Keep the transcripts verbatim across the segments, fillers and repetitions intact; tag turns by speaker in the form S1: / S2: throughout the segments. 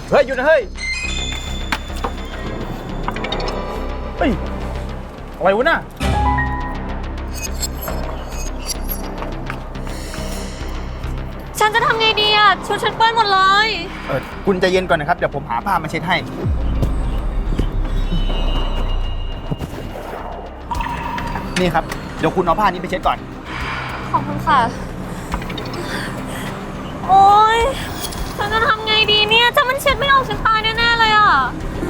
S1: เฮ้ยหยุดนะเฮ้ยเฮ้ยอะไรวะน่ะ
S2: ฉันจะทำไงดีอ่ะชุดฉันเปื้อนหมดเลย
S1: เออคุณใจเย็นก่อนนะครับเดี๋ยวผมหาผ้ามาเช็ดให้นี่ครับเดี๋ยวคุณเอาผ้านี้ไปเช็ดก่อน
S2: ขอบคุณค่ะ โอ๊ยฉันจะทำไงดีเนี่ยถ้ามันเช็ดไม่ออกฉันตายแน่ๆเลยอ่ะ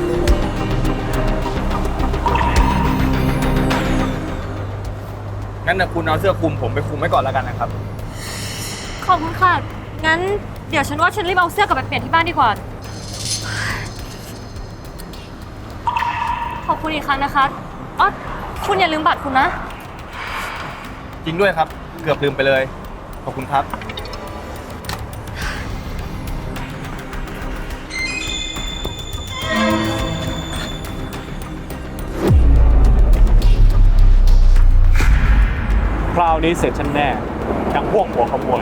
S1: งั้นนะคุณเอาเสื้อคลุมผมไปคลุมไว้ก่อนแล้วกันนะครับ
S2: ขอบคุณค่ะงั้นเดี๋ยวฉันว่าฉันรีบเอาเสื้อกลับไปเปลี่ยนที่บ้านดีกว่าขอบคุณอีกครั้งนะคะอ๋อคุณอย่าลืมบัตรคุณนะ
S1: จริงด้วยครับเกือบลืมไปเลยขอบคุณครับ
S3: คราวนี้เสร็จฉันแน่ดังพวกหัวขโมย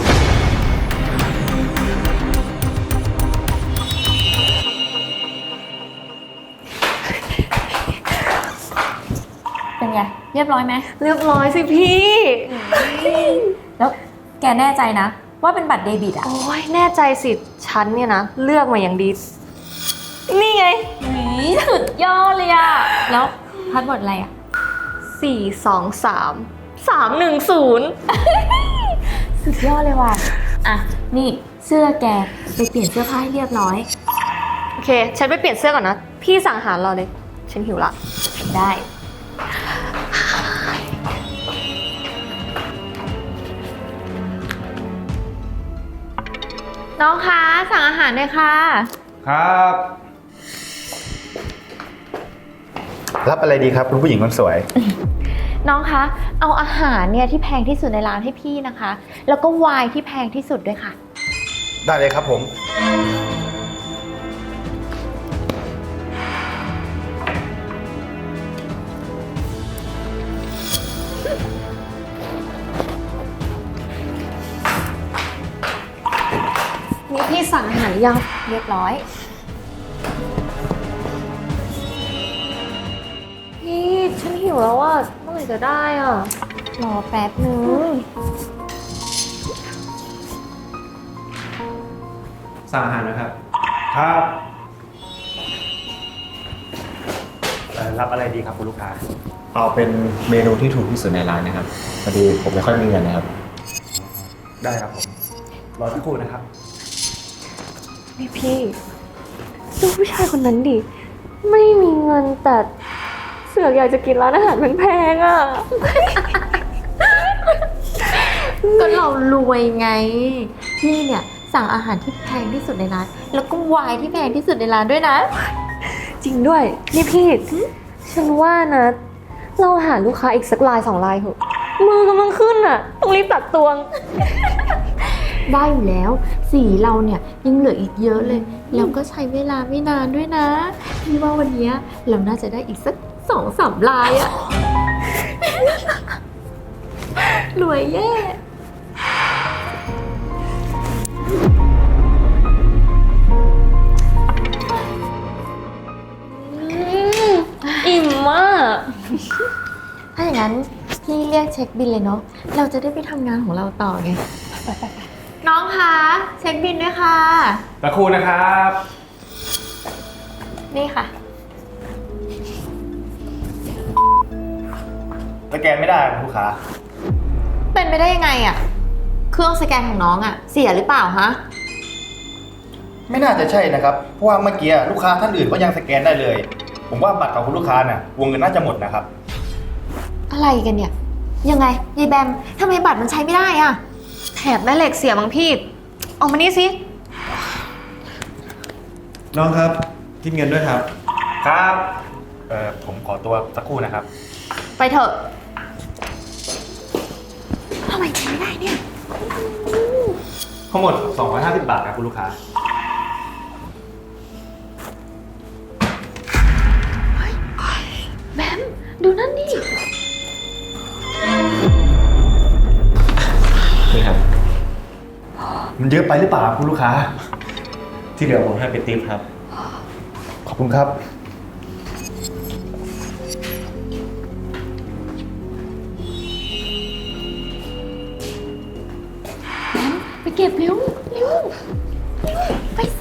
S4: เป็นไงเรียบร้อยไหม
S2: เรียบร้อยสิพี่
S4: แล้วแกแน่ใจนะว่าเป็นบัตรเดบิตอ่ะ
S2: โอ้ยแน่ใจสิฉันเนี่ยนะเลือกมาอย่างดีนี่ไง
S4: นี่สุดยอดเลยอ่ะแล้วพาสเวิร์ดอะไรอ่ะ
S2: สี่สองสามสามหนึ่งศูนย์
S4: สุดยอดเลยว่ะอ่ะนี่เสื้อแกไปเปลี่ยนเสื้อผ้าให้เรียบร้อย
S2: โอเคฉันไปเปลี่ยนเสื้อก่อนนะพี่สั่งอาหารเราเลยฉันหิวละ
S4: ได้น้องคะสั่งอาหารเลยค่ะ
S1: ครับรับอะไรดีครับคุณผู้หญิงคนสวย
S4: น้องคะเอาอาหารเนี่ยที่แพงที่สุดในร้านให้พี่นะคะแล้วก็ไวน์ที่แพงที่สุดด้วยค่ะ
S1: ได้เลยครับผม
S2: นี่พี่สั่งอาหารยัง
S4: เรียบร้อย
S2: พี่ฉันหิวแล้วอ่ะเมื่อไหร่จะได้อ่ะ
S4: รอแป๊บนึง
S3: สั่งอาหารนะครับครับรับอะไรดีครับคุณลูกค้า
S5: เอาเป็นเมนูที่ถูกที่สุดในร้านนะครับพอดีผมไม่ค่อยมีเงินนะครับ
S3: ได้ครับผมรอสักครู่นะครับ
S2: นี่พี่ดูผู้ชายคนนั้นดิไม่มีเงินแต่เสือกอยากจะกินร้านอาหารแพงๆอ่ะ
S4: ก็เรารวยไงพี่เนี่ยสั่งอาหารที่แพงที่สุดในร้านแล้วก็ไวน์ที่แพงที่สุดในร้านด้วยนะ
S2: จริงด้วยนี่พี่ฉันว่านะเราหาลูกค้าอีกสักรายสองรายเถอะมือกำลังขึ้นอ่ะต้องรีบตัดตวง
S4: ได้อยู่แล้วสีเราเนี่ยยังเหลืออีกเยอะเลยแล้วก็ใช้เวลาไม่นานด้วยนะพี่ว่าวันนี้เราน่าจะได้อีกสักสองสามลายอะ รวยแย่
S2: อิ่มมาก
S4: ถ้าอย่างนั้นพี่เรียกเช็คบิลเลยเนาะเราจะได้ไปทำงานของเราต่อไงน้องคะเช็คบิลด้วยค่ะ
S3: สักครู่นะครับ
S4: นี่ค่ะ
S1: สแกนไม่ได้ลูกค้า
S4: เป็นไปได้ยังไงอะเครื่องสแกนของน้องอะเสียหรือเปล่าฮะ
S1: ไม่น่าจะใช่นะครับเพราะว่าเมื่อกี้ลูกค้าท่านอื่นก็ยังสแกนได้เลยผมว่าบัตรของคุณลูกค้าน่ะวงเงินน่าจะหมดนะครับ
S4: อะไรกันเนี่ยยังไงยายแบมทำไมบัตรมันใช้ไม่ได้อะ
S2: แถบแม่เหล็กเสียมั้งพี่ออกมานี่สิ
S3: น้องครับคิดเงินด้วยครับ
S1: ครับเอ่อผมขอตัวสักครู่นะครับ
S4: ไปเถอะทำไมใช้ไม่ได้เนี่ย
S3: ทั้งหมดสองร้อยห้าสิบบาทครับคุณลูกค้า
S4: แบมดูนั่นดิ
S5: นี่ครับ
S1: มันเยอะไปหรือเปล่าคุณลูกค้า
S3: ที่เหลือผมให้เป็นทิปครับ
S1: ขอบคุณครับ
S4: ไปเก็บเร็วเร็วไปสิ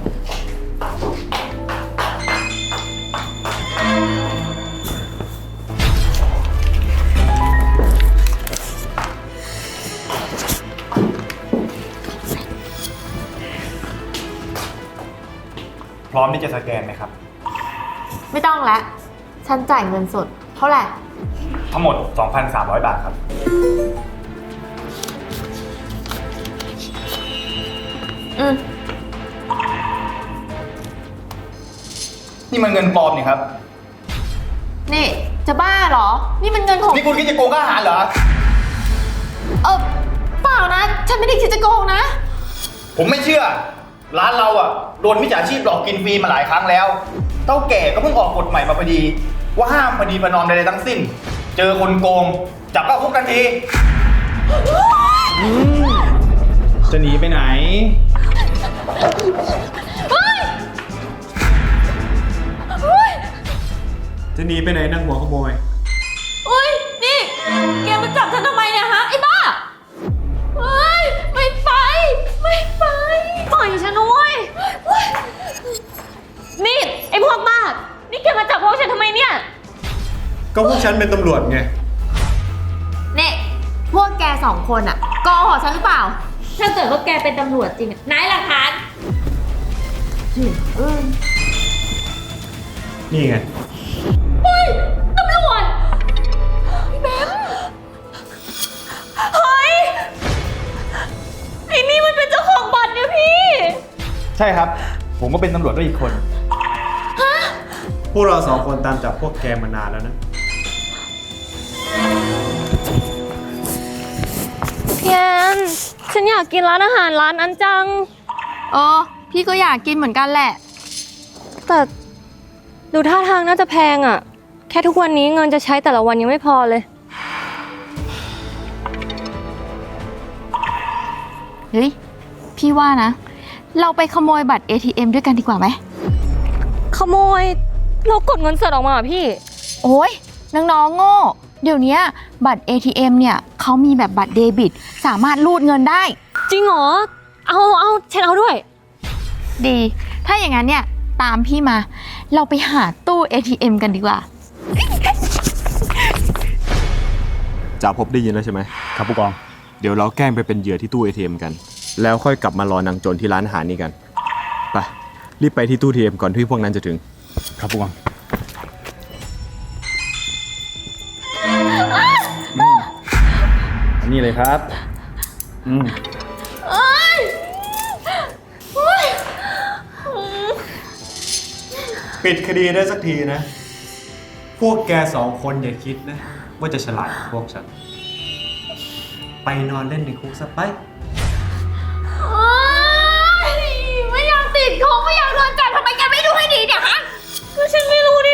S1: พร้อมที่จะสแกนไหมครับ
S4: ไม่ต้องแล้ว ฉันจ่ายเงินสด เท่าไหร่
S1: ทั้งหมด สองพันสามร้อย บาทครับ
S4: อืม
S1: นี่มันเงินปลอมนี่ครับ
S4: นี่ จะบ้าเหรอ นี่มันเงินของ
S1: นี่คุณคิดจะโกงค่าอาหารเหรอ
S4: เออเปล่านะ ฉันไม่ได้คิดจะโกงนะ
S1: ผมไม่เชื่อ ร้านเราอ่ะโดนมิจฉาชีพหลอกกินฟรีมาหลายครั้งแล้ว เต้าแก่ก็เพิ่งออกกฎใหม่มาพอดี ว่าห้ามพอดีประนอมใดๆทั้งสิ้น เจอคนโกง จับเข้าคุกทันทีจะหนีไปไหน
S3: จะหนีไปไหนนักหัวขโมย
S4: อุ้ย นี่ แกมาจับฉันทำไมเนี่ยฮะ ไอ้บ้าเฮ้ย ไม่ไป ไม่ไป
S2: ปล่อยฉันด้วยนี่ไอ้พวกบ้า นี่แกมาจับพวกฉันทำไมเนี่ย
S3: ก็พวกฉันเป็นตำรวจไง
S4: เนี่ย พวกแกสองคนอะโกหกฉันหรือเปล่า
S2: ถ้าเกิดว่าแกเป็นตำรวจจริงอะไหนหลักฐาน
S3: นี่ไง
S2: ตำรวจพี่แบมเฮ้ย ไอ้นี่มันเป็นเจ้าของบัตรเนี่ยพี่
S1: ใช่ครับ ผมก็เป็นตำรวจด้วยอีกคน
S3: พวกเราสองคนตามจับพวกแกมานานแล้วนะ
S2: พี่แอน ฉันอยากกินร้านอาหารร้านนั้นจัง
S4: เออ พี่ก็อยากกินเหมือนกันแหละ
S2: แต่ดูท่าทางน่าจะแพงอ่ะ แค่ทุกวันนี้เงินจะใช้แต่ละวันยังไม่พอเลย
S4: เฮ้ย พี่ว่านะ เราไปขโมยบัตร เอ ที เอ็ม ด้วยกันดีกว่าไหม
S2: ขโมยเรากดเงินสดออกมาเหรอพี่
S4: โอ้ยน้องๆโง่ เดี๋ยวนี้บัตร เอ ที เอ็ม เนี่ยเขามีแบบบัตรเดบิต สามารถรูดเงินได้
S2: จริงเหรอ เอาเอาฉันเอาด้วย
S4: ดี ถ้าอย่างนั้นเนี่ย ตามพี่มา เราไปหาตู้ เอ ที เอ็ม กันดีกว่า
S5: จ่าพบได้ยินแล้วใช่ไหม
S1: ครับผู้กอง
S5: เดี๋ยวเราแกล้งไปเป็นเหยื่อที่ตู้ เอ ที เอ็ม กัน แล้วค่อยกลับมารอนางโจรที่ร้านอาหารนี้กัน ไป รีบไปที่ตู้ เอ ที เอ็ม ก่อนที่พวกนั้นจะถึง
S1: ครับผู้กองอันนี้เลยครับ อืม
S3: ปิดคดีได้สักทีนะ พวกแกสองคนอย่าคิดนะ ว่าจะฉลาดกว่าพวกฉัน ไปนอนเล่นในคุกซะไป
S4: ไม่อยากติดคุกไม่อยากโดนจับทำไมแกไม่ดูให้ดีเนี่ยฮะ
S2: ก็ฉันไม่รู้